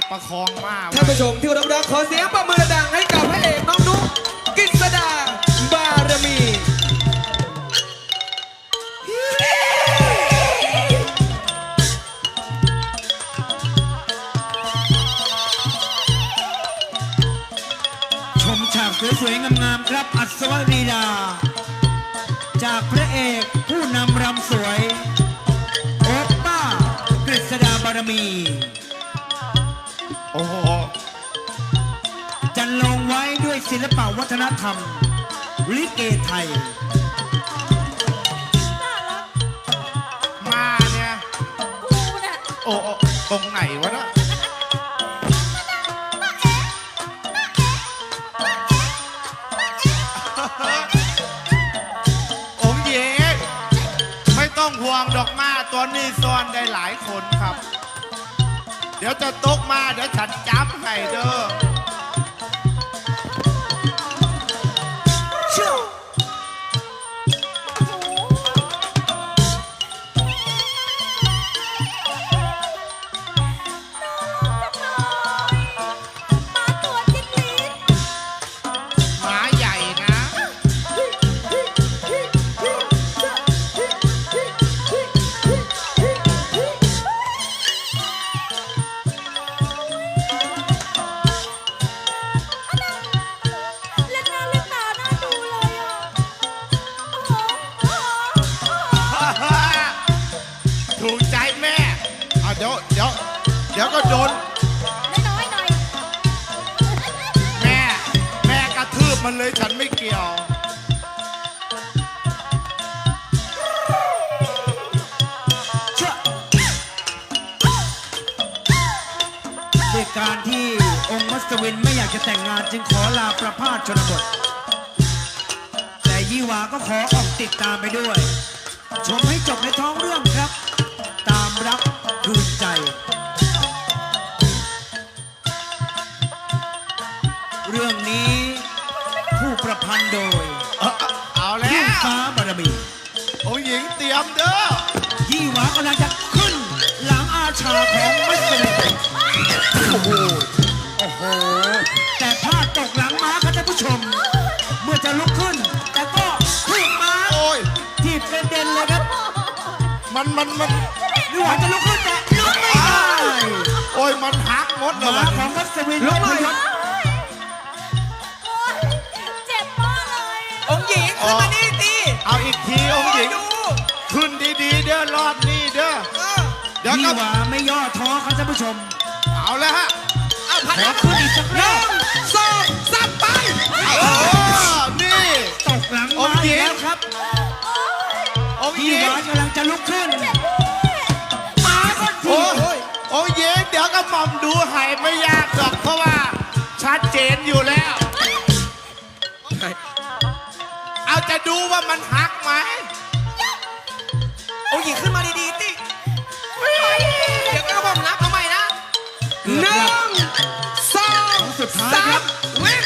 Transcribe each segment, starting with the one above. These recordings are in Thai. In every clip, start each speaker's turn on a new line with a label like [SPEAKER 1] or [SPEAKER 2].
[SPEAKER 1] ประคองมาก
[SPEAKER 2] ท่านผู้ชมที่เคารพรักขอเสียงปรบมือดังให้กับพระเอกน้องนุ๊กกฤษดาบารมี
[SPEAKER 3] ชมฉากสวยๆงามๆครับอัศวรีดาจากพระเอกผู้นำรำสวยโอปป้ากฤษดาบารมี
[SPEAKER 1] โอ้โห
[SPEAKER 3] จันลงไว้ด้วยศิลปวัฒนธรรมลิเกไทย
[SPEAKER 1] มาเนี่ย
[SPEAKER 4] กูน่ะ
[SPEAKER 1] โอ้โอ้ตรงไหนวะเนะองค์หญิงไม่ต้องห่วงดอกมาตัวนี้ซ่อนได้หลายคนครับ เดี๋ยวจะตกมาเดี๋ยวฉันจับให้เด้อ
[SPEAKER 4] มาตัวจิ๊กลิ้น
[SPEAKER 1] หมาใหญ่นะ
[SPEAKER 4] เล่นหน้าเล่นตาหน้าดูเลยอ่ะโอ้โห
[SPEAKER 1] ถูกใจแม่เอาเดี๋ยวก็โดน
[SPEAKER 4] น้อยๆหน่อย
[SPEAKER 1] แม่กระทืบมันเลยฉันไม่เกี่ยว
[SPEAKER 3] ด้วยการที่องค์มัสวินไม่อยากจะแต่งงานจึงขอลาประพาสชนบท แต่ยี่หวาก็ขอออกติดตามไปด้วย ชมให้จบในท้องเรื่องครับ ตามรักคืนใจ เรื่องนี้ผู้ประพันธ์โดย
[SPEAKER 1] เอาแล้
[SPEAKER 3] ผู้
[SPEAKER 1] ว
[SPEAKER 3] ฟ้าบารมี
[SPEAKER 1] องค์หญิงเตรียมเด้อ
[SPEAKER 3] ยี่หวากำลังจะขึ้นหลังอาชาของมัสวินโอ้โห โอ้โห แต่พลาดตกหลังม้าครับท่านผู้ชม เมื่อจะลุกขึ้น แต่ก็ถูกม้า
[SPEAKER 1] โอ้ย
[SPEAKER 3] ทีบกระเด็นเลยครับ
[SPEAKER 1] มัน
[SPEAKER 3] ยี่หวาจะลุกขึ้นแต่ลุกไม่ได้
[SPEAKER 1] โอ้ยมันหักหมดเลย
[SPEAKER 3] ม้าของมัสวินลุกไม่ได้
[SPEAKER 4] โอ๊ยเจ็บมากเลย
[SPEAKER 2] องค์หญิงขึ้นมานี่สิ
[SPEAKER 1] เอาอีกทีองค์หญิง
[SPEAKER 2] ดู
[SPEAKER 1] ขึ้นดีๆเด้อรอบนี้เด้อ เดี๋ยว
[SPEAKER 3] ยี่
[SPEAKER 1] ก็
[SPEAKER 3] หวาไม่ย่อท้อครับท่านผู้ชม
[SPEAKER 1] เอาแล้วฮะ
[SPEAKER 2] เอาพัน
[SPEAKER 3] ขอขึ้นอีกสักรอบ
[SPEAKER 2] สองสามไป
[SPEAKER 1] เออนี่
[SPEAKER 3] ตกหลังม้าอีกแล้วครับ
[SPEAKER 1] องค์ห
[SPEAKER 3] ยี่
[SPEAKER 1] ญิ
[SPEAKER 3] ห
[SPEAKER 1] ง
[SPEAKER 3] วากำลังจะลุกขึ้น
[SPEAKER 2] มาก็ที
[SPEAKER 1] โอ้ยองค์หญิงเดี๋ยวก็หม่อมดูให้ไม่ยากหรอกเพราะว่าชัดเจนอยู่แล้ว เอาจะดูว่ามันหักไหม
[SPEAKER 2] องค์หญิงขึ้นมาดีๆสิเดี๋ยวก็บอกนับเอาใหม่นะ
[SPEAKER 3] เกือบ
[SPEAKER 2] หนึ่
[SPEAKER 3] แล้ว
[SPEAKER 2] งสอง
[SPEAKER 3] สุดท้าย
[SPEAKER 2] สา
[SPEAKER 3] ครั
[SPEAKER 2] ม
[SPEAKER 3] บ
[SPEAKER 2] วิ่ง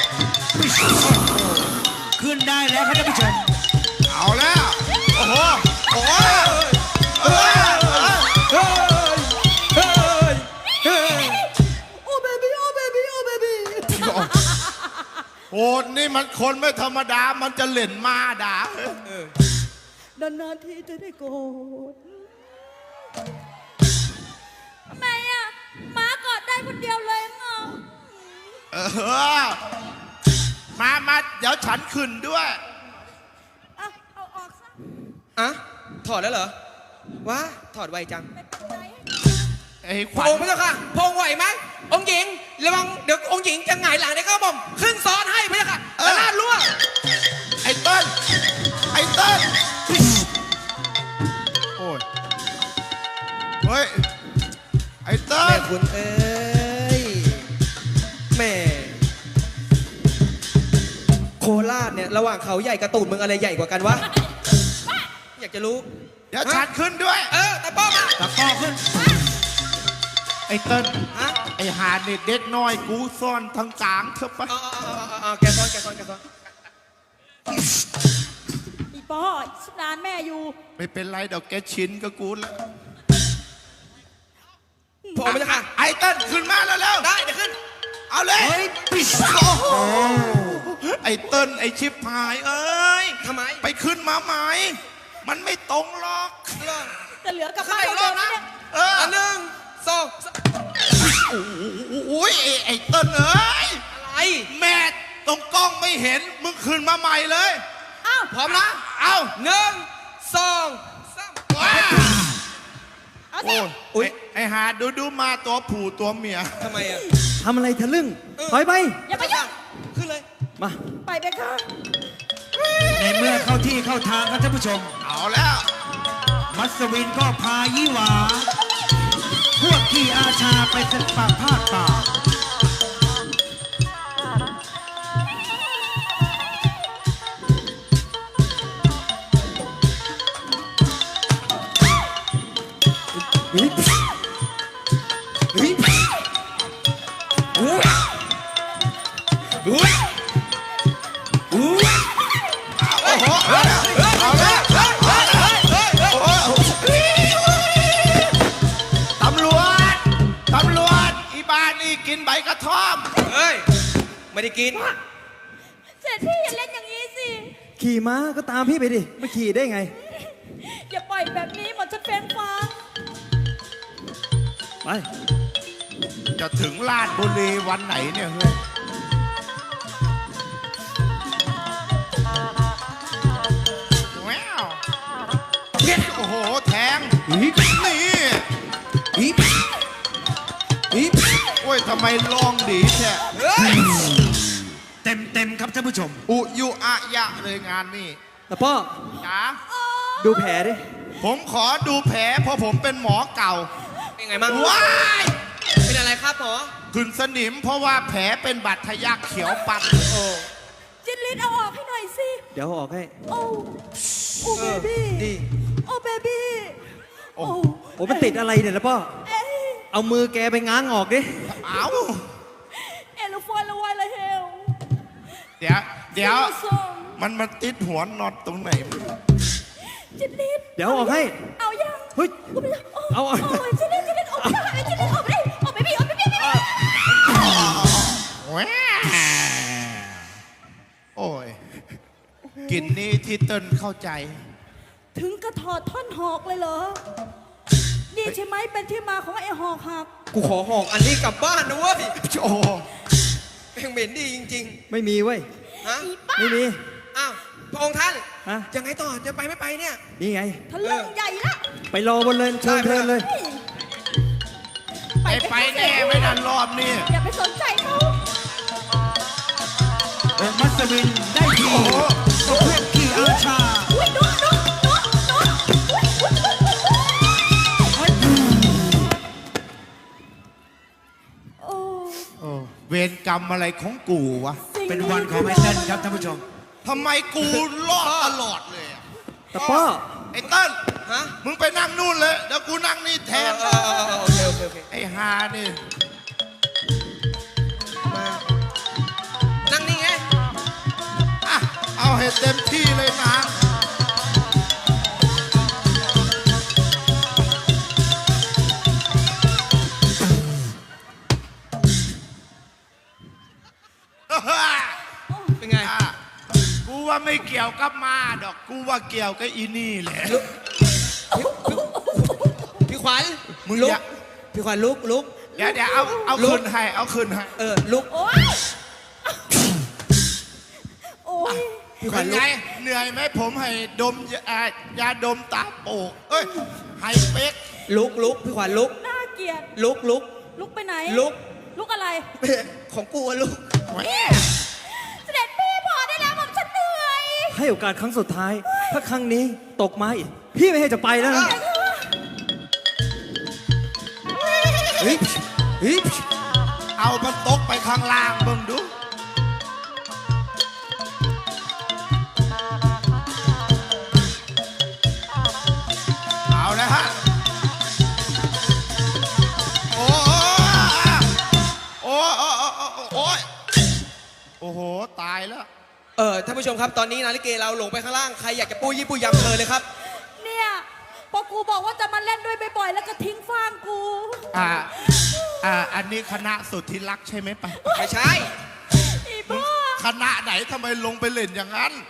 [SPEAKER 3] ขึ้นได้แล้วครับท่านผู้ชม
[SPEAKER 1] เอาแล้ว โอ้โห โอ้ยเออ
[SPEAKER 2] เฮ้ยเฮ้ยเฮ้ย
[SPEAKER 4] โอ้เบบี้โอ้เบบี้โอ้เบบี้
[SPEAKER 1] โหนี่มันคนไม่ธรรมดา มันจะเล่นมาด่า
[SPEAKER 4] นานๆทีจะได้โกรธทำไมอ่ะม้ากอดได้คนเดียวเลยงอ
[SPEAKER 1] เออ มา เดี๋ยวฉันขึ้นด้วย
[SPEAKER 4] เอาออกซะ
[SPEAKER 2] อ่ะถอดแล้วเหรอว้าถอดไวจัง
[SPEAKER 4] ไม่เป็นไร
[SPEAKER 1] ไอ้ข
[SPEAKER 2] พ
[SPEAKER 1] วั
[SPEAKER 2] ระ
[SPEAKER 1] ญ
[SPEAKER 2] องค์พระเจ้าค่ะพระองค์ไหวไหมองค์หญิงระวังเดี๋ยวองค์หญิงจะหงายหลังเดี๋ยวก็ผมขึ้นซ้อนให้พระเจ้าค่ะแล้วลาดล่วง
[SPEAKER 1] ไอ้เต้นไอ้เต้นโอ้ย เฮ้ย ไอ้เต้
[SPEAKER 2] แม่
[SPEAKER 1] น
[SPEAKER 2] คุณเอ้ยแม่โคราชเนี่ยระหว่างเขาใหญ่กับตูดมึงอะไรใหญ่กว่ากันวะอยากจะรู้
[SPEAKER 1] เดี๋ยวฉันขึ้นด้วย
[SPEAKER 2] ตะป้อมา
[SPEAKER 3] ตะก้อขึ้น
[SPEAKER 1] ไอ้เต้น
[SPEAKER 2] ฮะ
[SPEAKER 1] ไอ้หาเด็กเด็กน้อยกูซ่อนทั้งกลางเถอะปะ
[SPEAKER 2] เอาแกซ้อนแกซ้อนแกซ้อน
[SPEAKER 4] อีป้อชินานแม่อยู่
[SPEAKER 1] ไม่เป็นไรเดี๋ยวแกชินกับกูแล้ว
[SPEAKER 2] พระองค์พระเจ้าค่ะ
[SPEAKER 1] ไอ้เต้นขึ้นมาแล้ว
[SPEAKER 2] ได้
[SPEAKER 1] เอาเลย
[SPEAKER 3] เฮ้ยปิด
[SPEAKER 1] โอ้โหไอ้เติ้ลไอ้ชิบหายเอ้ย
[SPEAKER 2] ทำไม
[SPEAKER 1] ไปขึ้นมาไหมมันไม่ตรงหรอก
[SPEAKER 4] จะเหลือกลับบ้านเราเดิมเนี่ย
[SPEAKER 1] เออ
[SPEAKER 2] อันหนึ่งสอง
[SPEAKER 1] โอ้ยไอ้เติ้ลเอ้ย
[SPEAKER 2] อะไร
[SPEAKER 1] แม่ตรงกล้องไม่เห็นมึงขึ้นมาใหม่เลย
[SPEAKER 4] อ้าว
[SPEAKER 2] พร้อมนะ
[SPEAKER 1] เอา
[SPEAKER 2] หนึ่งสองสาม
[SPEAKER 1] ว้า
[SPEAKER 4] เอาสิ
[SPEAKER 1] โอ้ยไอ้หาดูมาตัวผู้ตัวเมีย
[SPEAKER 2] ทำไมอ่ะ
[SPEAKER 3] ทำอะไรทะลึ่งถอยไป
[SPEAKER 4] อย่าไปยุ่ง
[SPEAKER 2] ขึ้นเลย
[SPEAKER 3] มา
[SPEAKER 4] ไปไปค่ะ
[SPEAKER 3] ในเมื่อเข้าที่เข้าทางครับท่านผู้ชม
[SPEAKER 1] เอาแล้ว
[SPEAKER 3] มัสวินก็พายี่หวา พวกขี่อาชาไปศึกป่าภาคป่า เฮ้ยเฮ้ยเฮ้ยเฮ้ย
[SPEAKER 1] โอ้โหเอาแล้วเอาแล้วโอ้ตำรวจอีบ้านนี่กินใบกระท่อม
[SPEAKER 2] เฮ้ย ไม่ได้กิน
[SPEAKER 4] เสร็จพี่อย่าเล่นอย่างนี้สิ
[SPEAKER 3] ขี่ม้าก็ตามพี่ไปดิ ไม่ขี่ได้ไง
[SPEAKER 4] อย่าปล่อยแบบนี้หมดจะเป็นฟ้า
[SPEAKER 3] ไป
[SPEAKER 1] จะถึงลาดบุรีวันไหนเนี่ยเฮ้ยว้าวโอ้โหแทงนี่โอ้ยทำไมลองดีแท้
[SPEAKER 2] เฮ้ย
[SPEAKER 3] เต็มครับท่านผู้ชม
[SPEAKER 1] อุยุอะยะเลยงานนี่
[SPEAKER 3] แต่พ่อ
[SPEAKER 1] จ๋า
[SPEAKER 3] ดูแผลดิ
[SPEAKER 1] ผมขอดูแผลเพราะผมเป็นหมอเก่า
[SPEAKER 2] เป็นไงมั่ง
[SPEAKER 1] ว้าย
[SPEAKER 2] เป็นอะไรครับหมอ
[SPEAKER 1] ขึ้นสนิมเพราะว่าแผลเป็นบาดทะยักเขียวปัด
[SPEAKER 2] โอ้
[SPEAKER 4] จินลินเอาออกให้หน่อยสิ
[SPEAKER 3] เดี๋ยวเอาออกให้
[SPEAKER 4] โอ้โอ้เบบี้
[SPEAKER 2] ดี
[SPEAKER 4] โอ้เบบี้โอ้
[SPEAKER 3] โอ้มันติดอะไรเนี่ยนะพ่อ
[SPEAKER 4] เอ้ย
[SPEAKER 3] เอามือแกไปง้างออกดิ
[SPEAKER 1] เอา
[SPEAKER 4] เอลฟอนละวายละเฮล
[SPEAKER 1] เดี๋ยวมันติดหัวน็อตตรงไหน
[SPEAKER 4] จินลิน
[SPEAKER 3] เดี๋ยวเอาออกให้
[SPEAKER 4] เอายัง
[SPEAKER 3] เฮ้ย เอา
[SPEAKER 4] โอ้ยจินลินออกไม่ได้จินลินออกไม่ได้ออกเบบี้ออกเบบี้
[SPEAKER 1] แหวโอ้ยกลินนี้ที่เติ้ลเข้าใจ
[SPEAKER 4] ถึงกระถอดท่อนหอกเลยเหรอ นี่ใช่ไหมเป็นที่มาของไอ้หอกหัก
[SPEAKER 2] กูขอหอกอันนี้กลับบ้านนะเว้ย
[SPEAKER 1] โอ้
[SPEAKER 2] แม่งเหม็นดีจริง
[SPEAKER 3] ไม่มีเว้ย
[SPEAKER 2] ๆ ฮะ
[SPEAKER 4] อีป้า
[SPEAKER 3] ไม่มี
[SPEAKER 2] อ้าว พระองค์ท่าน
[SPEAKER 3] ฮะ
[SPEAKER 2] ยังไงต่อ จะไปไม่ไปเนี่ย
[SPEAKER 3] นี่ไง
[SPEAKER 4] ทะลึ่งใหญ่ละ
[SPEAKER 3] ไปรอบนเลยเชิญเชิญเลย
[SPEAKER 1] ไปแน่ไม่ดันรอบนี่
[SPEAKER 4] อย่าไปสนใจเขา
[SPEAKER 3] องค์มัสวินได้ที
[SPEAKER 1] โอ้โห
[SPEAKER 3] ก็พวกขี่อาชา
[SPEAKER 4] อุ้ยนุ๊กโอ้
[SPEAKER 1] โอ้เวรกรรมอะไรของกูวะ
[SPEAKER 3] เป็นวันของไอ้เต้นครับท่านผู้ชม
[SPEAKER 1] ทำไมกูรอดตลอดเลยอะ
[SPEAKER 3] แต่พ่อ
[SPEAKER 1] ไอ้เติ้ล
[SPEAKER 2] ฮะ
[SPEAKER 1] มึงไปนั่งนู่นเลยเดี๋ยวกูนั่งนี่แทน
[SPEAKER 2] โอเคโอเคโอเค
[SPEAKER 1] ไอ้ฮานี่
[SPEAKER 2] มานั่งนี่ไง
[SPEAKER 1] อ่ะเอาให้เต็มที่เลยนะ
[SPEAKER 2] เป็นไง
[SPEAKER 1] อ่ะกูว่าไม่เกี่ยวกับมาดอก กูว่าเกี่ยวกับอีนี่แหละ
[SPEAKER 2] พี่ขวัญ
[SPEAKER 1] มึง
[SPEAKER 2] ลุ
[SPEAKER 1] อก ย่า
[SPEAKER 2] พี่ขวัญลุก
[SPEAKER 1] เดี๋ยวเอา
[SPEAKER 2] ลุก
[SPEAKER 1] คืนให้เอาคืนให้
[SPEAKER 2] ลุก
[SPEAKER 4] โอ้ยโอ้ย
[SPEAKER 2] พี่ขวั
[SPEAKER 1] เป็
[SPEAKER 2] ญ
[SPEAKER 1] น
[SPEAKER 2] ลุ
[SPEAKER 1] ไง
[SPEAKER 2] ก
[SPEAKER 1] เหนื่อยไหมผมให้ดมยาดมตาโปกเอ้ยให้เป๊ก
[SPEAKER 2] ลุกพี่ขวัญลุก
[SPEAKER 4] น่าเกลียด
[SPEAKER 2] ลุก
[SPEAKER 4] ลุกไปไหน
[SPEAKER 2] ลุก
[SPEAKER 4] ลุกอะไร
[SPEAKER 2] ของกูอะลุก
[SPEAKER 1] แหม
[SPEAKER 4] เสด็จพี่พอได้แล้วผมฉันเหนื่อย
[SPEAKER 3] ให้โอกาสครั้งสุดท้าย ถ้าครั้งนี้ตกมาอีก พี่ไม่ให้จะไปแล้วนะ
[SPEAKER 2] เฮ้ย
[SPEAKER 1] เอามันตกไปข้างล่างเบิ่งดู เอาแล้วฮะ โอ้โอ้โอ้โอ้ยโอ้โห ตายแล้ว
[SPEAKER 2] ท่านผู้ชมครับ ตอนนี้นาฬิเกเราลงไปข้างล่าง ใครอยากจะปู้ยี่ปู้ยำเธอเลยครับ
[SPEAKER 4] เนี่ยเพราะกูบอกว่าจะมาเล่นด้วยบ่อยๆแล้วก็ทิ้งฟางกู
[SPEAKER 1] อันนี้คณะสุดที่รักใช่ไหมปะ
[SPEAKER 2] ไม่ใช่
[SPEAKER 4] อีบ้า
[SPEAKER 1] คณะไหนทำไมลงไปเล่นอย่างนั้น